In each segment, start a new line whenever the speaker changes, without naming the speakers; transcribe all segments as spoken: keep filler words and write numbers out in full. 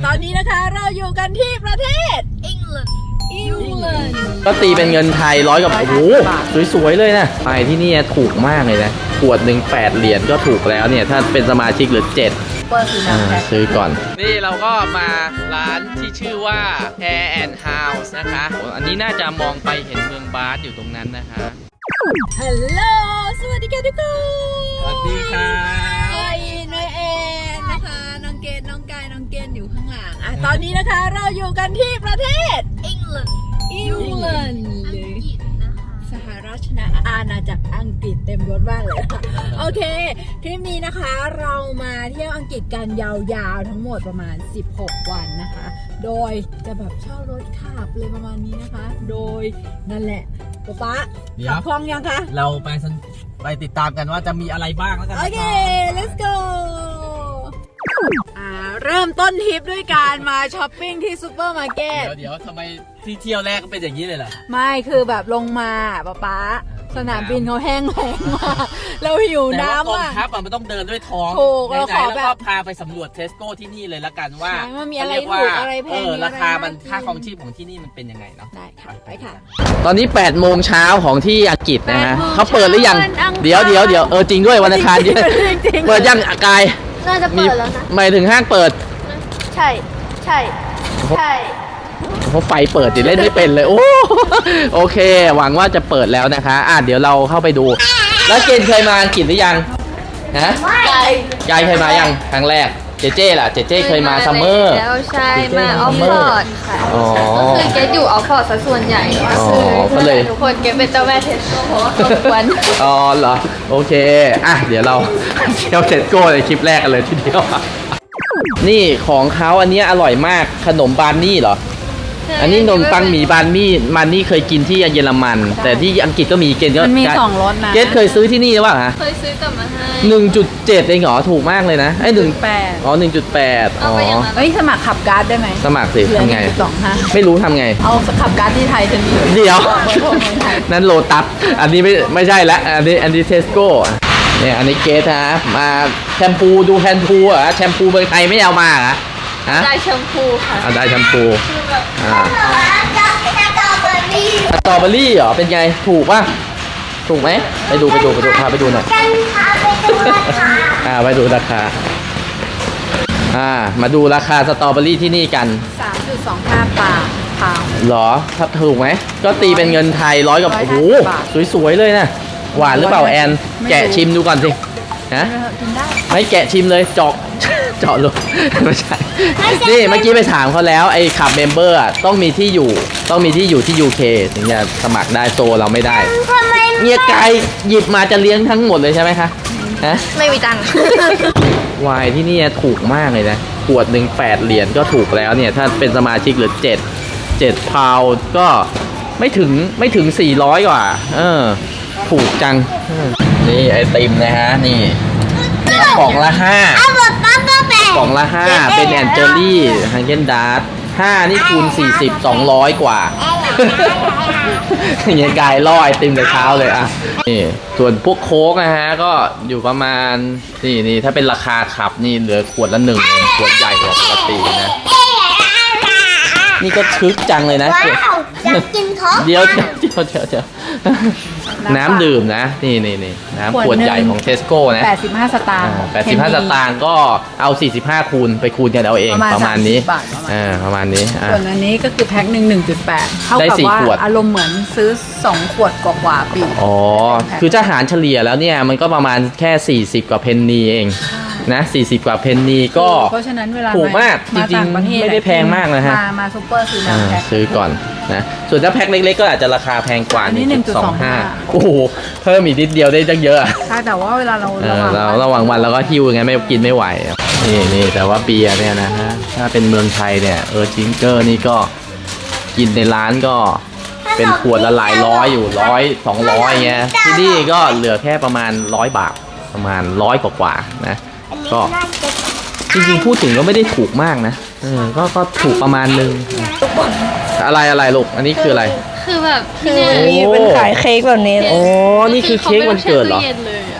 อนนี้นะคะเราอยู่กันที่ประเทศอังกฤษอังกฤษ
ก็ตีเป็นเงินไทยร้อยกับโอ้โหสวยๆเลยนะไปที่นี่ถูกมากเลยนะขวดหนึ่งแปดเหรียญก็ถูกแล้วเนี่ยถ้าเป็นสมาชิกหรือเจ็ดซื้อก่อนนี่เราก็มาร้านที่ชื่อว่า Air and House นะคะอันนี้น่าจะมองไปเห็นเมืองบาสอยู่ตรงนั้นนะคะ
ฮัลโหลสวัสดีค่ะทุกคน
สวัสดีค่ะ
ไอ้นายเอ็นนะคะน้องเกดน้องกายน้องเกนอยู่ข้างหลังอ่ะตอนนี้นะคะเราอยู่กันที่ประเทศอังกฤษอังกฤษหรือสหราชอาณาจักรอังกฤษเต็มยศมากเลยโอเคคลิปนี้นะคะเรามาเที่ยวอังกฤษกันยาวๆทั้งหมดประมาณสิบหกวันนะคะโดยจะแบบเช่ารถขับเลยประมาณนี้นะคะโดยนั่นแหละป๊าป๊าขับคล่องยังคะ
เราไปไปติดตามกันว่าจะมีอะไรบ้างแล้วกัน
โอเค let's go อ่าเริ่มต้นทริปด้วยการมาช้อปปิ้งที่ซูเปอร์มาร์เก็ต
เดี๋ยวเดี๋ยวทำไมที่เที่ยวแรกก็เป็นอย่างนี้เลยล่ะ
ไม่คือแบบลงมาป๊าป๊าสนามบินเขาแห้งแล้งมากเราหิวน้ำอ่ะ
แต่ว่ากองทัพมันต้องเดินด้วยท้อง
ถูกเราขอแบบ
พาไปสำรวจเทสโก้ที่นี่เลยละกันว่า
มันมีอะไรถูกอะไรแพง
ราคามันค่าครองชีพของที่นี่มันเป็นยังไงเนาะ
ได้ค่ะไปค่ะ
ตอนนี้แปดโมงเช้าของที่อังกฤษนะฮะเขาเปิดหรือยังเดี๋ยวเดี๋ยวเดี๋ยวเออจริงด้วยวันอังคารเปิดยังกาย
น่าจะเปิดแล้วนะ
หมายถึงห้างเปิด
ใช่ใช่ใช่
เพราะไฟเปิดดิเล่นไม่เป็นเลยโอ้โอเคหวังว่าจะเปิดแล้วนะคะอ่ะเดี๋ยวเราเข้าไปดูแล้วเจนเคยมาอังกฤษหรือยังฮะยายเคยมายังครั้งแรกเจเจล่ะเจเจเคยมาซัมเมอร์
แล้วใช่มาออฟฟอร์ดค่ะก็คือเกดอยู่ออฟฟอร์ดซะส่วนใหญ่ก็เลยทุกคนเกดเป็นเจ้าแม่เทสโก้เพราะว่าควน
อ๋อเหรอโอเคอ่ะเดี๋ยวเราเที่ยวเทสโก้ในคลิปแรกกันเลยทีเดียวนี่ของเขาอันนี้อร่อยมากขนมบานนี่เหรออันนี้ขนมปังหมี่บานมี่มันนี่เคยกินที่เยอรมันแต่ที่อังกฤษก็มีเกณฑ์ก็
มันมีสองรสนะ
เกณฑ์เคยซื้อที่นี่หรือเปล่าฮะ
เคยซื้อกลับมาให้
หนึ่งจุดเจ็ดเองเหรอถูกมากเลยนะไอ้หนึ่ง
แปด
อ๋อหนึ่งจุดแปดอ๋อ
เฮ้ยสมัครขับการ์ดได้ไหม
สมัครสิทำไง
สองห้า
ไม่รู้ทำไง
เอาขับการ์ดที่ไทยจะมี
เดี๋ยวนั่นโลตัสอันนี้ไม่ไม่ใช่ละอันนี้อันนี้เทสโก้เนี่ยอันนี้เกสฮะมาแชมพูดูแชมพูอ่ะแชมพูเมืองไทยไม่เอามาอ่ะ
ได้แชมพูค่ะ
ได้แชมพูอ่าสตรอเบอรี่เหรอเป็นไงถูกป่ะถูกไหมไปดูไปดูไปดูพาไปดูหน่อยอ่าไปดูราคาอ่ามาดูราคาสตรอเบอรี่ที่นี่กัน
สามจุดสองห้า บาทพาว
หรอถ้าถูกไหมก็ตีเป็นเงินไทยร้อยกับโอ้โหสวยๆเลยนะหวานหรือเปล่าแอนแกะชิมดูก่อนสิฮะไม่แกะชิมเลยจอกเจาะลูกไม่ใช่นี่เมื่อกี้ไปถามเขาแล้วไอ้ขับเมมเบอร์อ่ะต้องมีที่อยู่ต้องมีที่อยู่ที่ ยู เค ถึงจะสมัครได้โซเราไม่ได้เนี่ยไก่หยิบมาจะเลี้ยงทั้งหมดเลยใช่ไหมคะฮะ
ไม่มีตังค์
วายที่นี่ถูกมากเลยนะขวดหนึ่งแปดเหรียญก็ถูกแล้วเนี่ยถ้าเป็นสมาชิกหรือเจ็ดเจ็ดพาวก็ไม่ถึงไม่ถึงสี่ร้อยกว่าเออถูกจังนี่ไอติมนะฮะนี่กล่องละห้ากล่องละห้าเป็นแอนเจอรี่ฮังเกนดาร์ทห้านี่คูณสี่สิบ สองร้อยกว่าอย่างเงี้ยกายล่อไอติมแต่เช้าเลยอ่ะนี่ส่วนพวกโค้กนะฮะก็อยู่ประมาณนี่นี่ถ้าเป็นราคาขับนี่เหลือขวดละหนึ่งขวดใหญ่กว่าปกตินะนี่ก็ชึกจังเลยนะเดี๋ยวเดี๋ยวเดี๋ยวเดี๋ยวเดี๋ยวน้ำดื่มนะนี่นี่นี่น้ำขวดใหญ่ของเทสโก้นะ
แปดสิบห้าสตางค์
แปดสิบห้าสตางค์ก็เอาสี่สิบห้าคูณไปคูณกันเอาเองประมาณนี้อ่าประมาณนี้
ส่วนอันนี้ก็คือแพ็คหนึ่ง หนึ่งจุดแปดเท่ากับว่าอารมณ์เหมือนซื้อสองขวดกว่าๆปี
อ๋อคือจะหารเฉลี่ยแล้วเนี่ยมันก็ประมาณแค่สี่สิบกว่าเพนนีเองนะสี่สิบกว่าเพนนีก็
เพราะฉะนั้นเวลา
ถูกมากจริงๆไม่ได้แพงมากนะฮะ
มามาซุปเปอร์ซื้อมาแพ็ค
ซื้อก่อนนะส่วนถ้าแพ็คเล็กๆก็อาจจะราคาแพงกว่า
หนึ่งจุดสองห้า
โอ้โหเพิ่มอีกนิดเดียวได้ตั้งเยอะ
ใช่แต่ว่าเวลาเรา
เราระหว่างวันเราก็หิวไงไม่กินไม่ไหวนี่นี่แต่ว่าเบียร์เนี่ยนะฮะถ้าเป็นเมืองไทยเนี่ยเออจิงเกอร์นี่ก็กินในร้านก็เป็นขวดละหลายร้อยอยู่ร้อยสองร้อยเงี้ยที่นี่ก็เหลือแค่ประมาณร้อยบาทประมาณร้อยกว่าๆนะก็จริงๆพูดถึงก็ไม่ได้ถูกมากนะเออก็ก็ถูกประมาณนึงอะไรอะไรลูกอันนี้คืออะไร
คือแบบที่นี่
มีเป็นขายเค้กแบบนี้
โอ้นี่คือเค้กวันเกิดเหรอ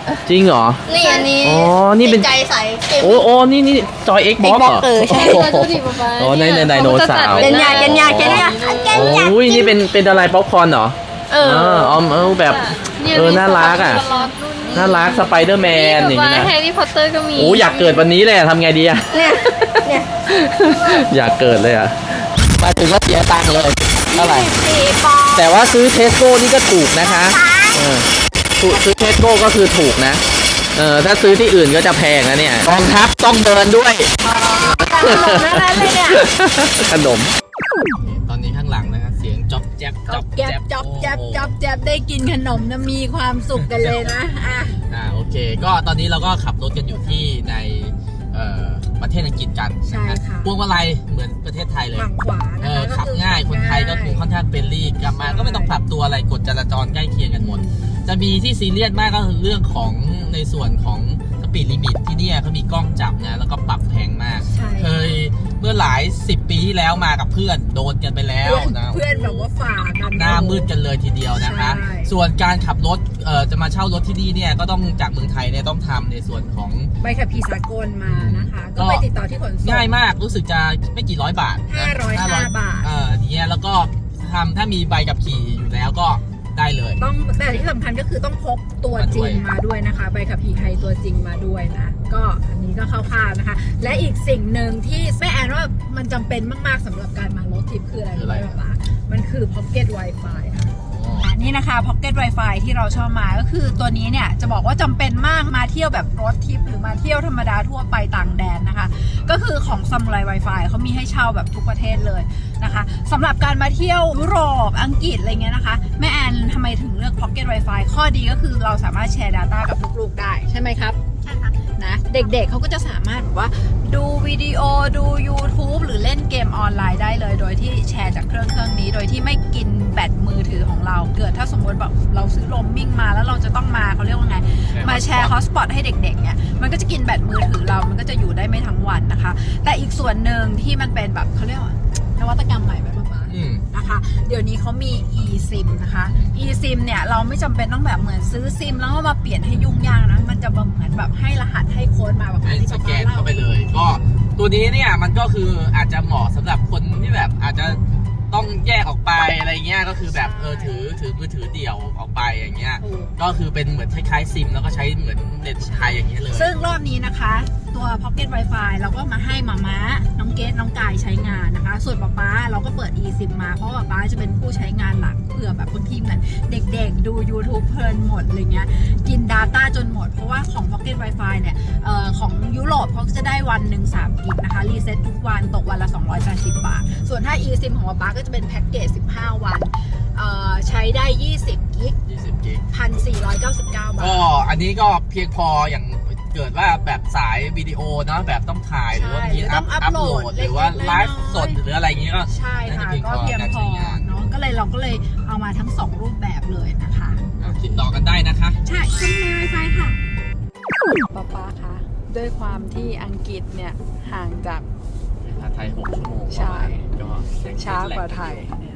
จริงเหรอ
นี่อันนี้
อ๋อนี่เป็น
ใจใสเกม
โอ้โอ้นี่นี่จอย Xbox เหรอ
เออใช่
โอ้โห
ดูดิป๊าป๊า
อ๋อในในไดโนเสาร์
เกนยาเกนยาเกนยา
โอ้ยนี่เป็นเป็นอะไรป๊อปคอร์นเหรอ
เออ
อ๋อเออแบบเออน่ารักอ่ะน่ารักสไปเดอร์แมนอย่าง
นี้
นี้นะ
แฮร์รี่พอตเตอร์ก็มี
โอ้อยากเกิดวันนี้เลยอะทำไงดีอะ
เนี่ยเนี่ย
อยากเกิดเลยอะมาถึงก็เสียตังค์เลยเท่าไหร่
สี่ปอนด์
แต่ว่าซื้อเทสโก้นี่ก็ถูกนะคะเออถูกซื้อเทสโก้ก็คือถูกนะเออถ้าซื้อที่อื่นก็จะแพงนะเนี่ยกองทัพต้องเดินด้วย
ขนมทั้งนั้นเลยเนี่ย
ขนมตอนนี้ข้างหลังนะครับเสียงจ๊อบแจ๊บ
จ๊อบแจ๊บจ๊อบแจ๊บจ๊อบแจ๊บได้กินขนมนะมีความสุขกันเลยนะอ่ะ
อ่าโอเค ก็ตอนนี้เราก็ขับรถกันอยู่ที่ในเอ่อประเทศอังกฤษกัน
ใช่ค่ะ
พวงมาลัยเหมือนประเทศไทยเลย
ฝั่งขวา
เอ
นะ
อ
คะ
ขับง่ายคนไทยก็คือค่อนข้างเฟรนลี่กลับมาก็ไม่ต้องปรับตัวอะไรกฎจราจรใกล้เคียงกันหมด จะมีที่ซีเรียสมากก็คือเรื่องของในส่วนของสปีดลิมิตที่เนี่ยเขามีกล้องจับนะแล้วก็ปรับแพงมาก
ใช่
เคยเมื่อหลายสิบปีที่แล้วมากับเพื่อนโดนกันไปแล้ว
เพื่อน
นะ
เพื่อนแบบว่าฝ่ากัน
หน้ามืดกันเลยทีเดียวนะคะ
ใช่
ส่วนการขับรถเอ่อจะมาเช่ารถที่นี่เนี่ยก็ต้องจากเมืองไทยเนี่ยต้องทำในส่วนของ
ใบขับขี่สากลมานะคะ ก็ไปติดต่อที่ขนส่ง
ง่ายมากรู้สึกจะไม่กี่ร้อยบาทนะ
ห้าร้อยห้าบาท
เอออย่างเงี้ยแล้วก็ทำถ้ามีใบขับขี่อยู่แล้วก็ได้เลย
ต้องแต่ที่สำคัญก็คือต้องพกตัวจริงมาด้วยนะคะใบขับขี่ไทยตัวจริงมาด้วยนะก็อันนี้ก็คร่าวๆนะคะ และอีกสิ่งหนึ่งที่แม่แอนว่ามันจำเป็นมากๆสำหรับการมารถทริปคืออะไร
คืออะไร
รู้ไหมคะมันคือ Pocket Wi-Fi ค่ะอ่ะนี่นะคะ Pocket Wi-Fi ที่เราชอบมาก็คือตัวนี้เนี่ยจะบอกว่าจำเป็นมากมาเที่ยวแบบรถทริปหรือมาเที่ยวธรรมดาทั่วไปต่างแดนนะคะ ก็คือของ Samurai Wi-Fi เขามีให้เช่าแบบทุกประเทศเลยนะคะสำหรับการมาเที่ยวยุโรปอังกฤษอะไรเงี้ยนะคะแม่แอนทำไมถึงเลือก Pocket Wi-Fi ข้อดีก็คือเราสามารถแชร์ Data กับลูกๆได้ใช่ไหมครับใช่ค่ะนะเด็กๆเขาก็จะสามารถแบบว่าดูวิดีโอดู YouTube หรือเล่นเกมออนไลน์ได้เลย โดยที่แชร์จากเครื่องเครื่องนี้ โดยที่ไม่กินแบตมือถือของเราเกิดถ้าสมมติแบบเราซื้อโรมมิ่งมาแล้วเราจะต้องมาเขาเรียกว่าไงมาแชร์ฮอตสปอตให้เด็กๆเนี่ยมันก็จะกินแบตมือถือเรามันก็จะอยู่ได้ไม่ทั้งวันนะคะ แต่อีกส่วนหนึ่งที่มันเป็นแบบเขาเรียกว่านวัตกรรมใหม่ไหมป๊าป๊า
อืม
นะคะเดี๋ยวนี้เขามี eSIM นะคะ eSIM เนี่ยเราไม่จำเป็นต้องแบบเหมือนซื้อซิมแล้วก็มาเปลี่ยนให้ยุ่งยากนะมันจะแบบเหมือนแบบให้รหัสให้โค้ดมาแบบ
ให้
ที่
ส
ป๊า
แก
ป๊าน เล่า
เข้าไปเลย ก็ตัวนี้เนี่ยมันก็คืออาจจะเหมาะสำหรับคนที่แบบอาจจะต้องแยกออกไปอะไรเงี้ยก็คือแบบเออถือถือมือถือเดี่ยวออกไปอย่างเงี้ย
ถูก
ก็คือเป็นเหมือนคล้ายๆซิมแล้วก็ใช้เหมือนเน็ตไทยอย่างเงี้ยเลย
ซึ่งรอบนี้นะคะตัว Pocket Wi-Fi เราก็มาให้มาม้าน้องเกดน้องกายใช้งานนะคะ ส่วนป๊าป๊าเราก็เปิด eSIM มาเพราะว่าป๊าจะเป็นผู้ใช้งานหลักเผื่อแบบบางทีเหมือนเด็กๆ ดู YouTube เพลินหมดอะไรเงี้ยกิน Data จนหมด เพราะว่าของ Pocket Wi-Fi เนี่ยเอ่อของยุโรปเขาจะได้วันหนึ่งสามกิกนะคะรีเซ็ตทุกวันตกวันละสองร้อยแปดสิบบาท ส่วนถ้า eSIM ของป๊าป๊าก็จะเป็นแพ็กเกจสิบห้าวันเอ่อใช้ได้ยี่สิบกิก
ยี่สิบกิก
หนึ่งพันสี่ร้อยเก้าสิบเก้าบาท
ก็อันนี้ก็เพียงพออย่างเกิดว่าแบบสายวิดีโอเนาะแบบต้องถ่ายหรือว่ามี
ใช่
อัพ
หรือต้องอั
อั
พ
พ
โห
โห
ล
ล
ด
ดหรือว่า
เล็กๆ
ไลฟ์สด
น้อยๆ
หรืออะไรอย่างเงี้ยก็
ใช่ค่ะ
น่าจะเพียง
ก็
พอ
เพียง
การ
พอ
ใช้งาน
เนาะก็เลยเราก็เลยเอามาทั้งสองรูปแบบเลยนะคะ
ติดต่อกันได้นะคะ
ใช่ช่องใน Wi-Fi ค่ะป๊าป๊าคะด้วยความที่อังกฤษเนี่ยห่างจาก
ไทยหกชั่วโมง
ใช่
ก็ยัง
ช้ากว่าไทย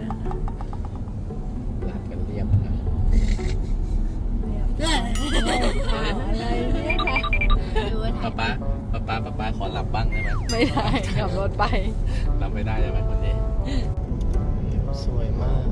หลับกันเรียบนะ
อะไรเนี่ยค่ะดูว่าไท
ป้าย ป้าป้าป้าป้าป้าขอหลับบ้างได้ไหม
ไม่ได้ขับรถไป
หลับไม่ได้ใช่ไหมคนนี้สวยมาก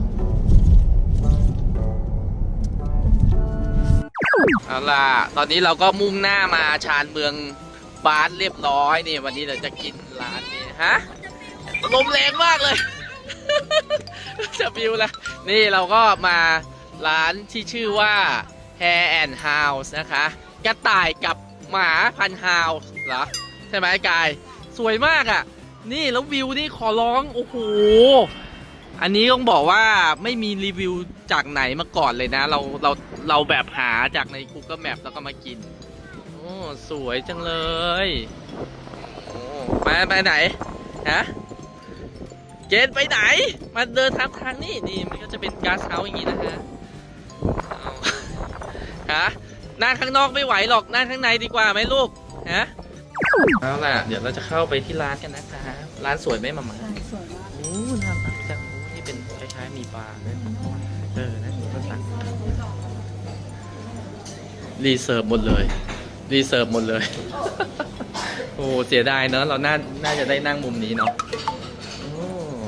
เอาล่ะตอนนี้เราก็มุ่งหน้ามาชานเมืองบาสเรียบร้อยนี่วันนี้เราจะกินร้านนี้ฮะลมแรงมากเลย จะบิวละนี่เราก็มาร้านที่ชื่อว่า Hare and House นะคะกระต่ายกับหมาพันธุ์ฮาวส์เหรอใช่ไหมกายสวยมากอ่ะนี่แล้ววิวนี่ขอร้องโอ้โหอันนี้ต้องบอกว่าไม่มีรีวิวจากไหนมาก่อนเลยนะเราเราเราแบบหาจากใน Google Map แล้วก็มากินโอ้สวยจังเลยโอ้มาไปไหนฮะเกณฑ์ไปไหนมาเดินทางทางนี่นี่มันก็จะเป็นก๊าซเฮาส์อย่างนี้นะฮะเอาฮะนั่งข้างนอกไม่ไหวหรอกนั่งข้างในดีกว่าไหมลูกฮะเอาล่ะเดี๋ยวเราจะเข้าไปที่ร้านกันนะคะร้านสวยไหมมาม่า
สวยมาก
โอ้น่ารักจังโอ้นี่เป็นคล้ายๆมีปลาด้วยเออนะนี่ก็สั่งรีเซิร์ฟหมดเลยรีเซิร์ฟหมดเลย โอ้เสียดายเนอะเราน่าน่าจะได้นั่งมุมนี้เนาะโอ้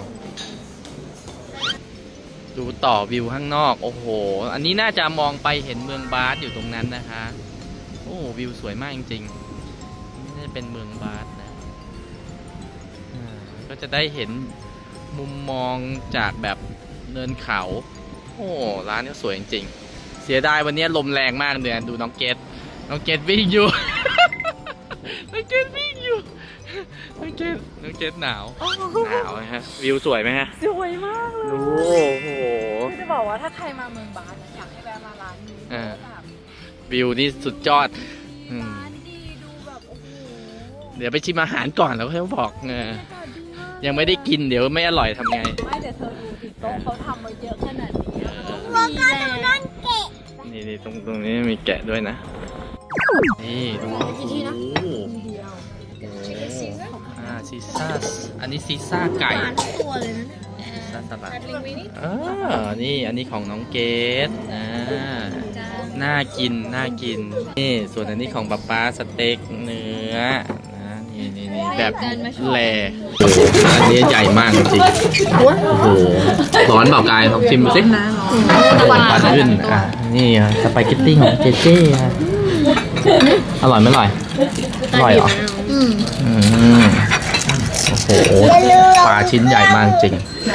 ดูต่อวิวข้างนอกโอ้โหอันนี้น่าจะมองไปเห็นเมืองบาสอยู่ตรงนั้นนะคะโอ้วิวสวยมากจริงๆนี่เป็นเมืองบาสนะอ่าก็จะได้เห็นมุมมองจากแบบเนินเขาโอ้ร้านนี้สวยจริงๆเสียดายวันนี้ลมแรงมากเลยดูน้องเกดน้องเกดวิ่งอยู่ น้องเกดวิ่งอยู่น้องเกดน้องเกดหนาวหนาวไหมฮะวิวสวยไหมฮะ
สวยมากเลย
โอ้โห
คือจะบอกว่าถ้าใครมาเมืองบาสนะอยากให้แวะมาร้านนี้
อ่า
แบบ
วิวนี่สุดยอดอืม
ร้านดีดูแบบโอ้โห
เดี๋ยวไปชิมอาหารก่อนแล้วค่อยบอกเออบ
รรยากาศดีมาก
ยังไม่ได้กินเดี๋ยวไม่อร่อยทำไง
ไม่แต่เธอดูติดโต๊ะเขาทำมาเยอะขนาดนี้อะ
แล้วก็ดูนั่นเกะ
นี่นี่ตรงตรงนี้มีแกะด้วยนะ นี่ดูโอ้โห
เดียว
อ่าซีซ่าอันนี้ซีซ่าไก่
ตัวเลยนะ
ซีซ่าสลัดอ่านี่อันนี้ของน้องเกดอ่าน่ากินน่ากินนี่ส่วนอันนี้ของป๊าป๊าสเต็กเนื้อนะนี่นี่นี่แบบแหล่โอ้โหอันนี้ใหญ่มากจริงโอ้โหร้อนเปล่ากายลองชิมดูสิควันขึ้นอ่ะนี่อ่ะสปาเกตตี้ของเจเจ้อ่ะอร่อยไหมอร่อยอร่อยเหรอ
อืม
อืมโอ้โหปลาชิ้นใหญ่มากจริง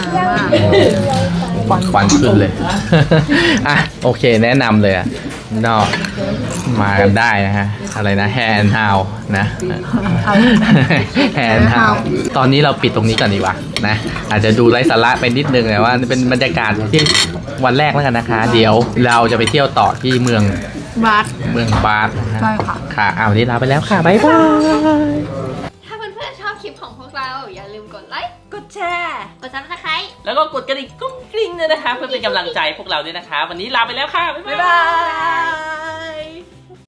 ควันควันขึ้นเลย อ่ะโอเคแนะนำเลยอ่ะนอกมากันได้นะฮะอะไรนะแฮนด์ฮาวนะแฮนด์ฮาวตอนนี้เราปิดตรงนี้ก่อนดีกว่านะอาจจะดูไร้สาระไปนิดนึงแต่ว่าเป็นบรรยากาศที่วันแรกแล้วกันนะคะ เดี๋ยวเราจะไปเที่ยวต่อที่เมือง
บาส
เมืองบาสนะฮะ
ใช่ค่ะ
ค่ะเอาวันนี้ลาไปแล้วค่ะบ๊ายบาย
ถ้าเพื่อนๆชอบคลิปของพวกเราอย่าลืมกดไลค์
กดแชร์
กดซับสไครต์
แล้วก็กดกระดิ่งกุ้งกริ้งด้วยนะคะ เพื่อเป็นกำลังใจพวกเราด้วยนะคะ วันนี้ลาไปแล้วค่ะ บ๊าย
บ๊าย
บา
บาย ย